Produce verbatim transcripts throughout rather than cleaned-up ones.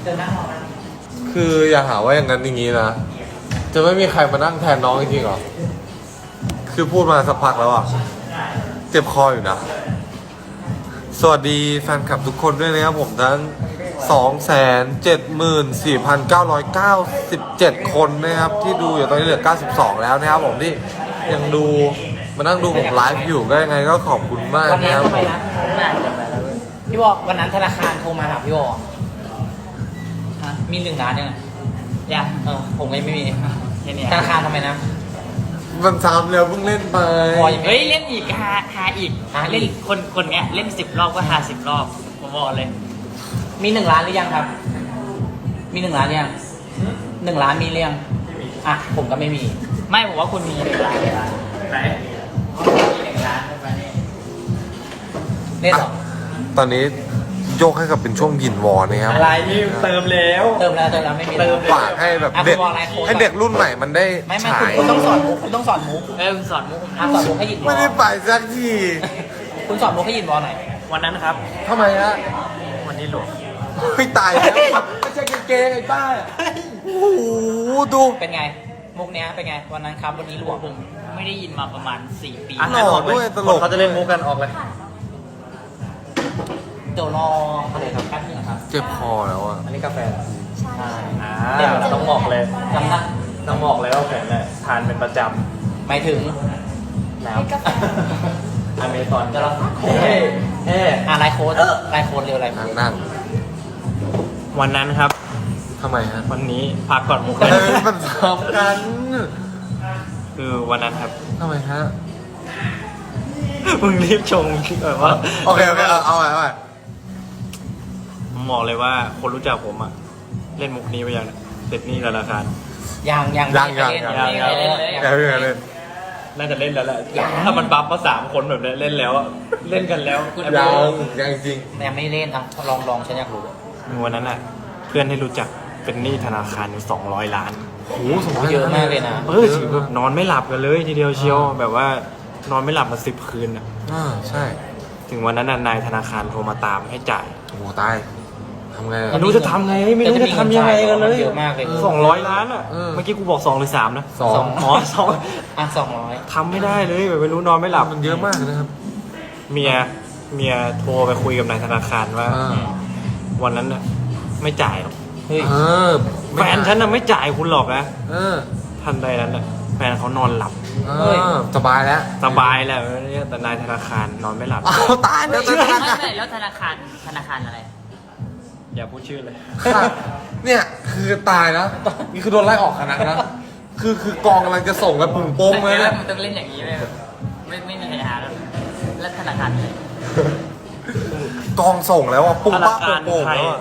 จะนั่งรอนะคืออย่าหาว่าอย่างนั้นอย่างนี้นะ จะไม่มีใครมานั่งแทนน้องจริงๆหรอ คือพูดมาสักพักแล้วอ่ะ เจ็บคออยู่นะ สวัสดีแฟนคลับทุกคนด้วยนะครับผมทั้ง สองแสนเจ็ดหมื่นสี่พันเก้าร้อยเก้าสิบเจ็ด คนนะครับที่ดูอยู่ตอนนี้เหลือเก้าสิบสองแล้วนะครับผมที่ยังดูมานั่งดูผมไลฟ์อยู่ก็ยังไงก็ขอบคุณมากวันนี้นะครับทำไมผมนะน่าจะไปแล้วพี่บอกวันนั้นธนาคารโทรมาหาพี่บอกฮะมีหนึ่งล้านยังไงยังเออผมไม่ไม่มีแค่นี้ธนาคารทำไมนะมันซ้ำแล้วเพิ่งเล่นไปพอยังเฮ้ยเล่นอีกหาหาอีกหาอีกเล่นคนคนเนี้ยเล่นสิบรอบก็หาสิบรอบผมบอกเลยมีหนึ่งล้านหรือยังครับ มีหนึ่งล้านหรือยังหนึ่งล้านมีหรือยังอ่ะผมก็ไม่มีไม่ผมว่าคุณมีหนึ่งล้านเลยไหนมีหนึ่งล้านใช่ไหมเล่นเหรอตอนนี้โยกให้กับเป็นช่วงยินวอร์นะครับอะไรนี่เติมแล้วเติมแล้วเติมแล้วไม่มีเติมฝากให้แบบอ่ะเด็กคุณบอกอะไรโค้ชให้เด็กรุ่นใหม่มันได้ไม่ไม่ฉาคุณยคุณต้องสอนมุกคุณต้องสอนมุกเออสอนมุกผมอ่ะนะสอนมุกให้ยินวอไม่ได้ไปสักทีคุณสอนมุกให้ยินวอหน่อยวันนั้นครับทำไมฮะวันนี้หลวงไม่ตายแล้วไม่ใช่เกงๆไอ้บ้าโอ้โหดูเป็นไง มุกเนี้ยเป็นไง วันนั้นครับวันนี้หลวงผมไม่ได้ยินมาประมาณสี่ปีหล่อด้วยตลกเขาจะเล่นมุกกันออกเลยเดี๋ยวรออะไรครับแป๊บนึงครับเจ็บคอแล้วอ่ะอันนี้กาแฟใช่อ่าเดี๋ยวต้องบอกเลยจำนะต้องบอกเลยว่าผมเนี่ยทานเป็นประจหมายถึงำน้ำอเมซอนจะรอเฮ้เฮ้อ่ะไลน์โค้ดไลน์โค้ดเร็วไลน์โค้นั่งดนั่งวันนั้นครับทำไมฮะวันนี้พักก่อนมุกเออมันซ้ำกันคือวันนั้นครับทำไมฮะมึงรีบชงแบบว่าโอเคโอเคเอาเอาใหม่เอาใหม่ผมบอกเลยว่าคนรู้จักผมอะเล่นมุกนี้ไปยังเนี่ยเสร็จหนี่ธนาคารยังยังยังยังไม่ยังเล่นยังไม่เล่นเลยอย่าเพิ่งอย่าเล่นน่าจะเล่นแล้วแหละถ้ามันบัฟมาสามคนแบบเนี้ยเล่นแล้วอะเล่นกันแล้วยังยังจริงยังไม่เล่นอ่ะลองลองฉันอยากรู้วันนั้นอะเพื่อนให้รู้จักเป็นหนี้ธนาคารอยู่สองร้อยล้านโอ้โหสมมติเยอะมากเลยนะเออถือแบบนอนไม่หลับกันเลยทีเดียวเชียวแบบว่านอนไม่หลับมาสิบคืนอะอ่าใช่ถึงวันนั้นน่ะนายธนาคารโทรมาตามให้จ่ายโอ้โหตายทำไงอะไม่รู้จะทำไงไม่รู้จะทำยังไงกันเลยเยอะมากเลยสองร้อยล้านอ่ะเออเมื่อกี้กูบอกสองหรือสามนะสองอ๋อสองอ่ะสองร้อยทำไม่ได้เลยแบบไม่รู้นอนไม่หลับมันเยอะมากนะครับเมียเมียโทรไปคุยกับนายธนาคารว่าอ่าวันนั้นน่ะไม่จ่ายหรอกเฮ้ยเออแฟนฉันน่ะไม่จ่ายคุณหรอกนะเออทันใดนั้นน่ะแฟนเขานอนหลับเออสบายแล้วสบายแหละแต่นายธนาคารนอนไม่หลับเอาตายแล้วไม่จะใช่ทำไงแล้วธนาคารธนาคารอะไร อย่าพูดชื่อเลยค่ะเนี่ยคือตายแล้วนี่คือโดนไล่ออกคณะนะคือคือกองกำลังจะส่งกันปุ่งโป้งเลยแล้นะวมันต้องเล่นอย่างนี้เลยไม่ไม่มีใครหาแล้วแล้วธนาคารไหนกองส่งแล้วอ่ะปุ่งธนาป้าคารโป่งไทๆยแล้วอะ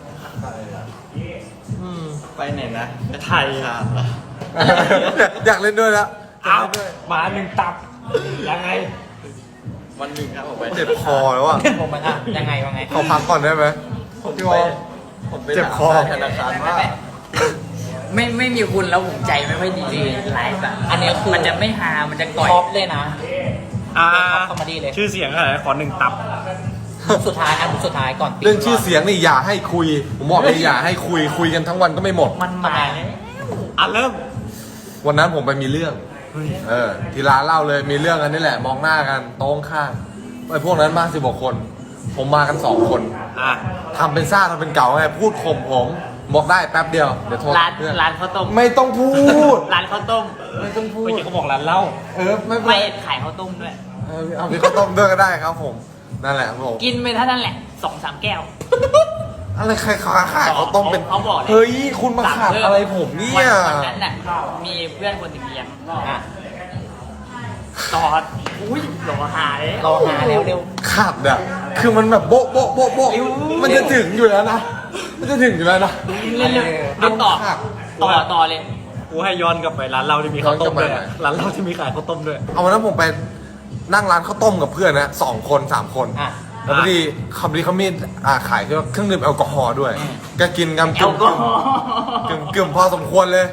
อืมไปไหนนะไทยอยากเล่นด้วยแล้วเอามาหนึ่งตับ ยังไง วันหนึ่งครับผมไปเจ็บคอแล้วอ่ะผมมันอ่ะยังไงวะไงขอพักก่อนได้ไหมพี่วอล เจ็บคอธนาคารว่าไม่ไม่มีคุณแล้วผมใจไม่ค่อยดีไลฟ์อะอันนี้คือมันจะไม่ฮามันจะก่อยท็อปเลยนะอ่าท็อปคอมเมดี้เลยชื่อเสียงอะไรขอหนึ่งตับสุดท้ายอันสุดท้ายก่อนปิดเรื่องชื่อเสียงนี่อย่าให้คุย ผมบอกเลยอย่าให้คุยคุยกันทั้งวันก็ไม่หมดมันมาอ่ะเริ่มวันนั้นผมไปมีเรื่อง เออ ที่ร้านเหล่าเลยมีเรื่องกันนี่แหละ มองหน้ากันโต๊ะข้างไอ้พวกนั้นมาสิบกว่าคน ผมมากันสองคนอ่ะทำเป็นซ่าทำเป็นเก่าไงพูดข่มผมบอกได้แป๊บเดียวเดี๋ยวโทรร้านเพื่อนร้านข้าวต้มไม่ต้องพูดร้านข้าวต้มไม่ต้องพูดเมื่อกี้เขาบอกร้านเหล้าเออไม่เป็นไม่ไรขายข้าวต้มด้วยเออเอามีข้าวต้มด้วยก็ได้ครับผม นั่นแหละผมกินไปเท่านั้นแหละสองสามแก้วอะไรใครขายขายข้าวต้มเป็นเขาบอกเลยเฮ้ยคุณมาขาดอะไรผมเนี่ยวันนั้นน่ะมีเพื่อนคนหนึ่งเลี้ยงอ่ะตอดอุ้ยหลอหายรอหาเร็วเร็วขาดอ่ะคือมันแบบโบ๊ะโบ๊ะโบ๊ะโบ๊ะมันจะถึงอยู่แล้วนะมันจะถึงอยู่แล้วนะเล่นเลยโดเอานต่อขาดต่อต่อเลยกูให้ย้อนกลับไปร้านเหล้าที่มีข้าวต้มด้วยย้อนกลับไปร้านเหล้าที่มีขายข้าวต้มด้วยเอาวันนั้นผมไปนั่งร้านข้าวต้มกับเพื่อนนะสองคนสามคนอ่ะแล้วพอดีคำนี้เขามีอ่าขายเครื่องดื่มแอลกอฮอล์ด้วยอืมก็กินกันแอลกอฮอล์กึ่มกึ่มพอสมควรเลย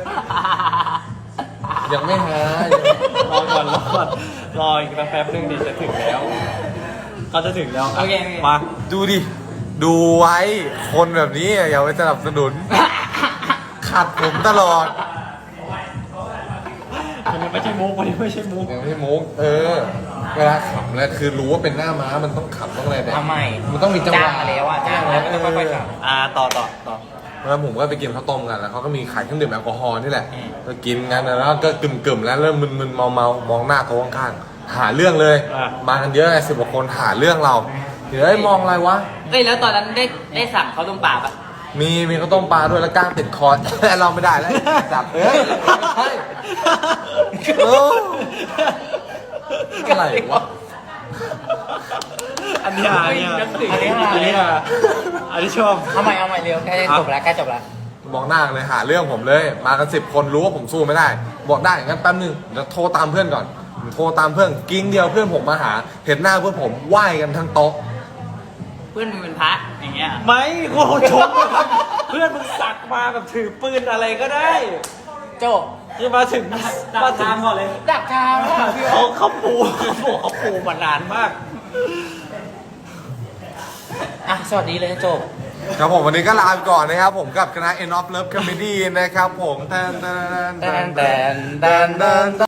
ยังไม่หายรอก่อนรอก่อนรออีกแป๊บนึงดิจะถึงแล้วเขาจะถึงแล้วโอเคโอเคมาดูดิดูไว้คนแบบนี้อย่าไปสนับสนุน ขัดผมตลอดมันไม่ใช่มุกมันไม่ใช่มุกยังไม่มุกเออ เวลาขำแล้วคือรู้ว่าเป็นหน้าม้ามันต้องขำต้องอะไรแบบทำไมมันต้องมีจังหวะจ้างมาแล้วอ่ะจ้างแล้วก็ต้องค่อยๆขับอ่าต่อต่อต่อแล้วผมก็ไปกินข้าวต้มกันแล้วเขาก็มีขายเครื่องดื่มแอลกอฮอล์นี่แหละอืมก็กินกันแล้วก็กึ่มๆแล้วเริ่มมึนๆเมาๆมองหน้าเขาข้างๆหาเรื่องเลย มากันเยอะเลยสิบกว่าคนหาเรื่องเราเดี๋ยวไอ้มองอะไรวะเอ้ยแล้วตอนนั้นได้ได้สั่งเขาวต้มปลาปะมีมีข้าวต้มปลาด้วยแล้วก้างติดคอ เราไม่ได้แล้วจับเอ้ยใช่โอ้อะไรวะอันนี้อ่ะอันนี้อ่ะอันนี้อ่ะอันนี้อ่ะอันนี้ชอบเอาใหม่เอาใหม่เร็วใกล้จะจบแล้วใกล้จบแล้วมองหน้ากันเลยหาเรื่องผมเลย มากันสิบคนรู้ว่าผมสู้ไม่ได้ บอกได้งั้นแป๊บนึงเดี๋ยวโทรตามเพื่อนก่อนผมโทรตามเพื่อนกิ้งเดียวเพื่อนผมมาหา เห็นหน้าเพื่อนผมไหว้กันทั้งโต๊ะเพื่อนมึงเป็นพระอย่างเงี้ยไม่โอ้โหชมเพื่อนมึงสักมาแบบถือปืนอะไรก็ได้โจคือมาถึงมาถึงก่อนเลยดักทางอ่ะพี่เขาเขาปูเขาปูเขาปูมานานมากอ่ะสวัสดีเลยโจครับผมวันนี้ก็ลาไปก่อนนะครับ ผมกับคณะ End of Love Comedy นะครับผมแตนแตนแตนแตนแตนแตน